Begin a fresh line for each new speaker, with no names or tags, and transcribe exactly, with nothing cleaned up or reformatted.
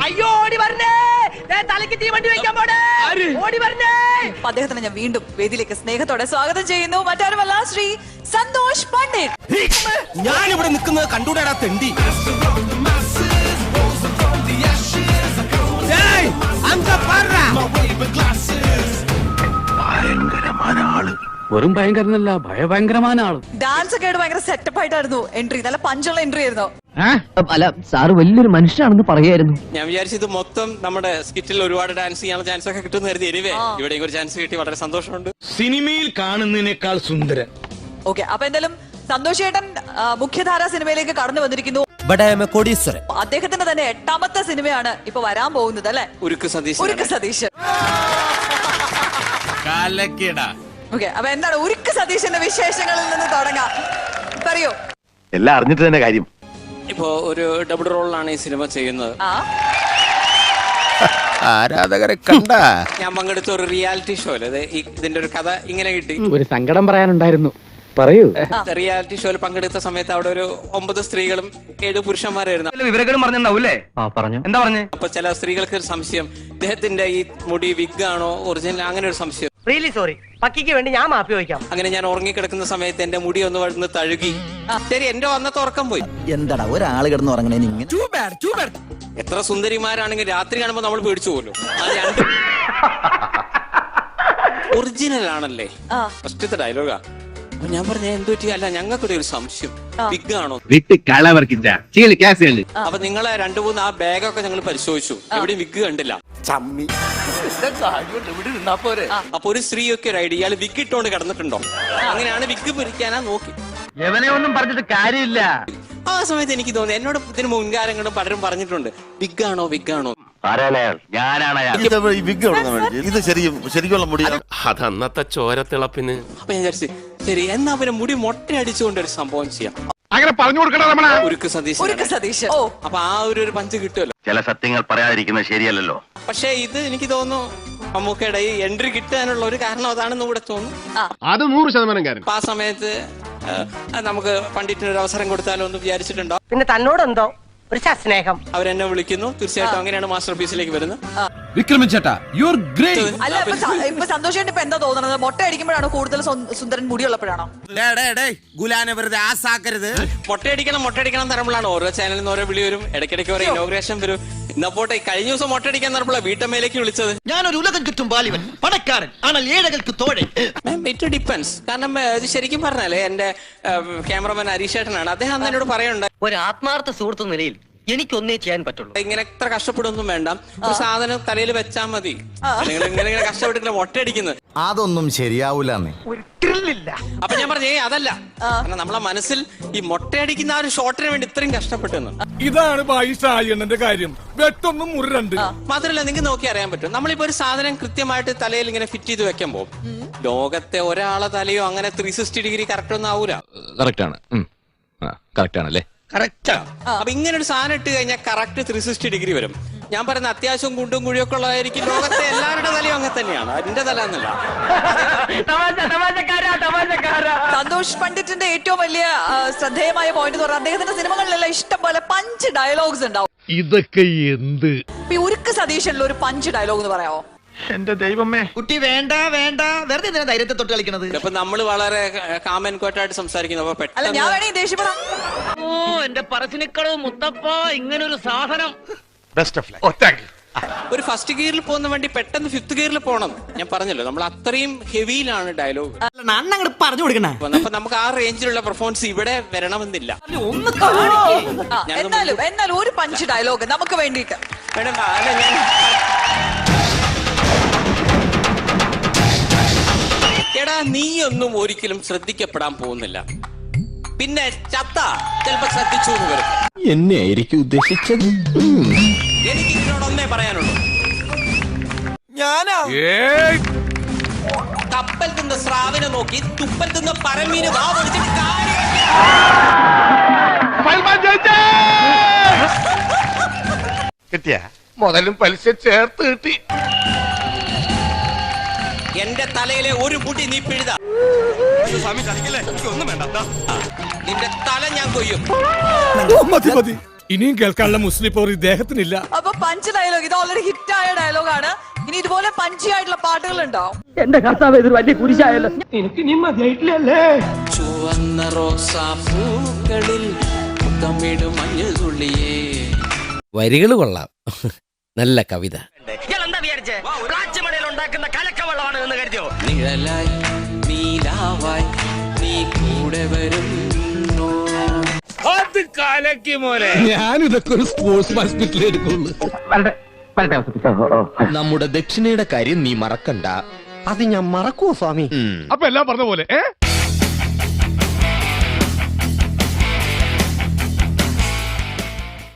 അയ്യോ ഓടി വരണേ, തലയ്ക്ക് തീവണ്ടി വെക്കാൻ പോണേ, ഓടി വരണേ.
അദ്ദേഹത്തിന് ഞാൻ വീണ്ടും വേദിയിലേക്ക് സ്നേഹത്തോടെ സ്വാഗതം ചെയ്യുന്നു. മറ്റാരുമല്ല, ശ്രീ സന്തോഷ് പണ്ഡിറ്റ്.
ഞാൻ ഇവിടെ നിൽക്കുന്നത് കണ്ടൂടാ തെണ്ടി.
ഭയങ്കരമായ ആള്, വെറും ഭയങ്കരനല്ല, ഭയഭയങ്കരമായ ആള്.
ഡാൻസ് ഒക്കെ ആയിട്ട് ഭയങ്കര സെറ്റപ്പ് ആയിട്ടായിരുന്നു എൻട്രി. നല്ല പഞ്ചുള്ള എൻട്രി ആയിരുന്നു.
അല്ല, സാറ് വലിയൊരു മനുഷ്യനാണെന്ന് പറയായിരുന്നു.
ഞാൻ വിചാരിച്ചത് മൊത്തം നമ്മുടെ സ്കിറ്റിൽ ഒരുപാട് ഡാൻസ് ചെയ്യാനുള്ള ചാൻസ് ഒക്കെ കിട്ടുന്ന കരുതി. എനിവേ ഇവിടെ ഒരു ചാൻസ് കിട്ടി, വളരെ സന്തോഷമുണ്ട്.
സിനിമയിൽ കാണുന്നതിനേക്കാൾ സുന്ദരൻ.
ഓക്കെ, അപ്പൊ എന്തായാലും സന്തോഷ് ചേട്ടൻ മുഖ്യധാര സിനിമയിലേക്ക് കടന്നു വന്നിരിക്കുന്നു. അദ്ദേഹത്തിന്റെ തന്നെ എട്ടാമത്തെ സിനിമയാണ് ഇപ്പൊ വരാൻ പോകുന്നത് അല്ലെ?
ഉരുക്ക് സതീശ്.
ഉരുക്ക് സതീശ്. ഓക്കെ, അപ്പൊ എന്താണ് ഉരുക്ക് സതീശന്റെ വിശേഷങ്ങളിൽ നിന്ന് തുടങ്ങാം, പറയൂ.
എല്ലാം അറിഞ്ഞിട്ട് തന്നെ കാര്യം.
ഇപ്പോ ഒരു ഡബിൾ റോളിലാണ് ഈ സിനിമ ചെയ്യുന്നത്.
ആരാധകരെ കണ്ട
ഞാൻ പങ്കെടുത്ത ഒരു റിയാലിറ്റി ഷോയില് ഇതിന്റെ ഒരു കഥ ഇങ്ങനെ കിട്ടി.
ഒരു സങ്കടം പറയാനുണ്ടായിരുന്നു, പറയൂ.
റിയാലിറ്റി ഷോയിൽ പങ്കെടുത്ത സമയത്ത് അവിടെ ഒരു ഒമ്പത് സ്ത്രീകളും ഏഴ് പുരുഷന്മാരായിരുന്നു.
വിവരങ്ങളും പറഞ്ഞിട്ടുണ്ടാവൂലേ?
പറഞ്ഞു.
എന്താ പറഞ്ഞു?
അപ്പൊ ചില സ്ത്രീകൾക്ക് ഒരു സംശയം, ഇദ്ദേഹത്തിന്റെ ഈ മുടി വിഗ് ആണോ ഒറിജിനൽ, അങ്ങനെ ഒരു സംശയം.
റിയലി സോറി, പക്കിക്ക് വേണ്ടി ഞാൻ മാപ്പി വയ്ക്കാം.
അങ്ങനെ ഞാൻ ഉറങ്ങിക്കിടക്കുന്ന സമയത്ത് എന്റെ മുടി ഒന്ന് വന്ന് തഴുകി. ശരി, എന്റെ അന്നത്തെ ഉറക്കം പോയി.
എന്താടാ ഒരാള് കിടന്ന് ഉറങ്ങണേ?
എത്ര സുന്ദരിമാരാണെങ്കിൽ രാത്രി കാണുമ്പോ നമ്മൾ പേടിച്ചു പോലും. അത് രണ്ടും ഒറിജിനൽ ആണല്ലേ, ഫസ്റ്റത്തെ ഡയലോഗാ. അപ്പൊ ഞാൻ പറഞ്ഞ എന്തു പറ്റി? അല്ല, ഞങ്ങൾക്കൊരു ഒരു സംശയം, വിഗ് ആണോ? അപ്പൊ നിങ്ങളെ രണ്ടു മൂന്ന് ആ ബാഗൊക്കെ ഞങ്ങൾ പരിശോധിച്ചു, എവിടെയും വിഗ് കണ്ടില്ല. അപ്പൊ ഒരു സ്ത്രീയൊക്കെ ഒരു ഐഡിയ, ഇയാള് വിഗ് ഇട്ടോണ്ട് കിടന്നിട്ടുണ്ടോ? അങ്ങനെയാണ് വിഗ് പിരിക്കാനാ നോക്കി.
എവനെ ഒന്നും പറഞ്ഞിട്ട് കാര്യമില്ല.
ആ സമയത്ത് എനിക്ക് തോന്നി, എന്നോട് ഇതിന് മുൻകാലങ്ങളും പലരും പറഞ്ഞിട്ടുണ്ട്, വിഗ് ആണോ വിഗ് ആണോ.
ഇത് ശരിക്കും ശരിക്കുള്ള മുടി.
അത് അന്നത്തെ ചോരത്തിളപ്പിന്.
അപ്പൊ ഞാൻ വിചാരിച്ചു, ശരി എന്നാ അവരെ മുടി മൊട്ട അടിച്ചുകൊണ്ട് ഒരു സംഭവം ചെയ്യാം.
അങ്ങനെ പറഞ്ഞു കൊടുക്കണം.
ഉരുക്ക് സതീശ്.
ഉരുക്ക് സതീശ്. ഓ,
അപ്പൊ ആ ഒരു ഒരു പഞ്ച് കിട്ടുമല്ലോ.
ചില സത്യങ്ങൾ പറയാതിരിക്കുന്നത് ശരിയല്ലല്ലോ.
പക്ഷെ ഇത് എനിക്ക് തോന്നുന്നു മമ്മൂക്കയുടെ ഈ എൻട്രി കിട്ടാനുള്ള ഒരു കാരണം അതാണെന്ന് കൂടെ തോന്നുന്നു.
അത് നൂറ് ശതമാനം കാര്യം.
അപ്പൊ ആ സമയത്ത് നമുക്ക് പണ്ഡിറ്റിന് ഒരു അവസരം കൊടുത്താലോ എന്ന് വിചാരിച്ചിട്ടുണ്ടോ?
പിന്നെ തന്നോടെന്തോ ഒരു സ്നേഹം.
അവരെന്നെ വിളിക്കുന്നു. തീർച്ചയായിട്ടും അങ്ങനെയാണ് മാസ്റ്റർ പീസിലേക്ക് വരുന്നത്.
വിക്രമൻ ചേട്ടാ, യു ആർ ഗ്രേറ്റ്.
അല്ല, ഇപ്പൊ സന്തോഷ് ചേട്ടൻ ഇപ്പൊ എന്താ തോന്നുന്നത്? മൊട്ട അടിക്കുമ്പോഴാണോ കൂടുതൽ സുന്ദരൻ മുടിയുള്ളപ്പോഴാണോ?
മൊട്ടയടിക്കണം മൊട്ടയടിക്കണം തരമ്പോഴാണ് ഓരോ ചാനലിൽ നിന്ന് ഓരോ വിളി വരും, ഇടയ്ക്കിടയ്ക്ക് ഓരോ ഇനോഗ്രേഷൻ വരും. എന്നാ പോട്ടെ, കഴിഞ്ഞ ദിവസം മൊട്ടയടിക്കാൻ തരപ്പോഴാണ് വീട്ടമ്മയിലേക്ക് വിളിച്ചത്.
ഞാനൊരു ഉലകം കിട്ടും ബാലിവൻ, പണക്കാരൻ, ஆனால் ഏഴകൾക്ക് തോഴൻ.
It depends. കാരണം ഇത് ശരിക്കും പറഞ്ഞാലേ എന്റെ ക്യാമറമാൻ ഹരീഷേട്ടനാണ്, അദ്ദേഹം അന്ന് എന്നോട് പറയുന്നുണ്ട്,
ഒരു ആത്മാർത്ഥ സുഹൃത്ത് നിലയിൽ എനിക്കൊന്നേ ചെയ്യാൻ പറ്റുള്ളൂ.
ഇങ്ങനെ എത്ര കഷ്ടപ്പെടുമൊന്നും വേണ്ട, ഒരു സാധനം തലയിൽ വെച്ചാൽ മതി. നിങ്ങൾ ഇങ്ങനെ ഇങ്ങനെ കഷ്ടപ്പെട്ടിട്ട് മൊട്ടയടിക്കുന്നത്
അതൊന്നും ശരിയാവൂല.
അപ്പൊ ഞാൻ പറഞ്ഞേ അതല്ല, കാരണം നമ്മളെ മനസ്സിൽ ഈ മൊട്ടയടിക്കുന്ന ആ ഒരു ഷോട്ടിന് വേണ്ടി ഇത്രയും കഷ്ടപ്പെട്ടെന്ന്.
ഇതാണ് ബായിഷായണ്ണന്റെ കാര്യം. വെട്ടൊന്നും മുരണ്ട്.
മാത്രമല്ല, നിങ്ങൾക്ക് നോക്കി അറിയാൻ പറ്റും, നമ്മളിപ്പോ ഒരു സാധനം കൃത്യമായിട്ട് തലയിൽ ഇങ്ങനെ ഫിറ്റ് ചെയ്ത് വെക്കാൻ പോകും. ലോകത്തെ ഒരാളെ തലയോ അങ്ങനെ ത്രീ സിക്സ്റ്റി ഡിഗ്രി കറക്റ്റ് ഒന്നും ആവൂല.
കറക്റ്റ് ആണ്, കറക്റ്റ് ആണല്ലേ?
കറക്റ്റാ. അപ്പൊ ഇങ്ങനെ ഒരു സാധനം ഇട്ട് കഴിഞ്ഞാൽ കറക്റ്റ് ത്രീ സിക്സ്റ്റി ഡിഗ്രി വരും. ഞാൻ പറയുന്ന അത്യാവശ്യം കുണ്ടും കുഴിയൊക്കെ ഉള്ളതായിരിക്കും. ലോകത്തെ എല്ലാവരുടെ തലയും അങ്ങനെ തന്നെയാണ്, അതിന്റെ തല എന്നല്ല.
സന്തോഷ് പണ്ഡിറ്റിന്റെ ഏറ്റവും വലിയ ശ്രദ്ധേയമായ പോയിന്റ് എന്ന് പറഞ്ഞാൽ അദ്ദേഹത്തിന്റെ സിനിമകളിലെല്ലാം ഇഷ്ടം പോലെ പഞ്ച് ഡയലോഗ്സ് ഉണ്ടാവും.
ഇതൊക്കെ എന്ത്?
ഉരുക്ക് സതീശനിൽ ഒരു പഞ്ച് ഡയലോഗ് എന്ന് പറയാമോ?
എന്റെ ദൈവമേ,
കുട്ടി വേണ്ട വേണ്ട, വെറുതെ എന്തിനാ ധൈര്യത്തെ തൊട്ട് കളിക്കണത്?
അപ്പൊ നമ്മള് വളരെ കാമൻ കോട്ടായിട്ട് സംസാരിക്കുന്നു. അപ്പൊ
അല്ല, ഞാൻ
പെട്ടെന്ന്
വേണമെങ്കിൽ ദേഷ്യപ്പെടാം.
ഓ, എന്റെ പറശ്ശിനിക്കടവ് മുത്തപ്പ, ഇങ്ങനൊരു സാധനം.
Best of luck. ഓ, താങ്ക് യു.
ഒരു ഫസ്റ്റ് ഗിയറിൽ പോകുന്ന വണ്ടി പെട്ടെന്ന് ഫിഫ്ത് ഗിയറിൽ പോകണം. ഞാൻ പറഞ്ഞല്ലോ, നമ്മൾ അത്രയും ഹെവിയിലാണ് ഡയലോഗ്.
അണ്ണങ്ങട് പറഞ്ഞു കൊടുക്കണ.
അപ്പൊ നമുക്ക് ആ റേഞ്ചിലുള്ള പെർഫോമൻസ് ഇവിടെ വരണമെന്നില്ല.
എന്നാലും എന്നാലും ഒരു പഞ്ച് ഡയലോഗ് നമുക്ക് വേണ്ടിയിട്ട്.
മേഡം, അല്ല ഞാൻ എടാ, നീയൊന്നും ഒരിക്കലും ശ്രദ്ധിക്കപ്പെടാൻ പോകുന്നില്ല, പിന്നെ ചത്ത ചിലപ്പോ ശ്രദ്ധിച്ചു എന്ന് വരും.
എന്നെ ആയിരിക്കും ഉദ്ദേശിച്ചത്.
എനിക്ക് ഇതിനോടൊന്നേ പറയാനുള്ളൂ,
ഞാനാ
കപ്പൽ തിന്ന സ്രാവിനെ നോക്കി തുപ്പൽ തിന്ന പരമീന് വാ പൊളിച്ചിട്ട് കാര്യമില്ല.
കിട്ടിയ മുതലും പലിശ ചേർത്ത് കിട്ടി.
എന്റെ തലയിലെ ഒരു മുടി നീ പിഴുത, നിന്റെ തല ഞാൻ കൊയ്യും.
മതി മതി, ഇനിയും കേൾക്കാനുള്ള മുസ്ലിം പോർ ഇദ്ദേഹത്തിനില്ല.
അപ്പൊ പഞ്ച് ഡയലോഗ് ഇത് ഓൾറെഡി ഹിറ്റ് ആയ ഡയലോഗാണ്. ഇനി ഇതുപോലെ പഞ്ചി ആയിട്ടുള്ള പാട്ടുകൾ ഉണ്ടാവും.
എന്റെ കർത്താവ് ഇത് വലിയ കുരിശായല്ലോ.
ചുവന്ന റോസാപ്പൂക്കളിൽ മുത്തമിടും മഞ്ഞൾ തുള്ളിയേ.
വരികൾ കൊള്ളാം. നല്ല കവിത.
എന്താ വിചാരിച്ചേ പ്ലാച്ചിമടയിൽ ഉണ്ടാക്കുന്ന കലക്കവെള്ളമാണ് എന്ന് കരുതിയോ?
നിഴലായി നീലാവായി നീ കൂടെ വരും.
ഞാനിതൊക്കെ ഒരു സ്പോർട്സ് ഹോസ്പിറ്റലിൽ എടുക്കുള്ളൂ.
നമ്മുടെ ദക്ഷിണയുടെ കാര്യം നീ മറക്കണ്ട.
അത് ഞാൻ മറക്കുവോ സ്വാമി?
അപ്പൊ എല്ലാം പറഞ്ഞ പോലെ ഏ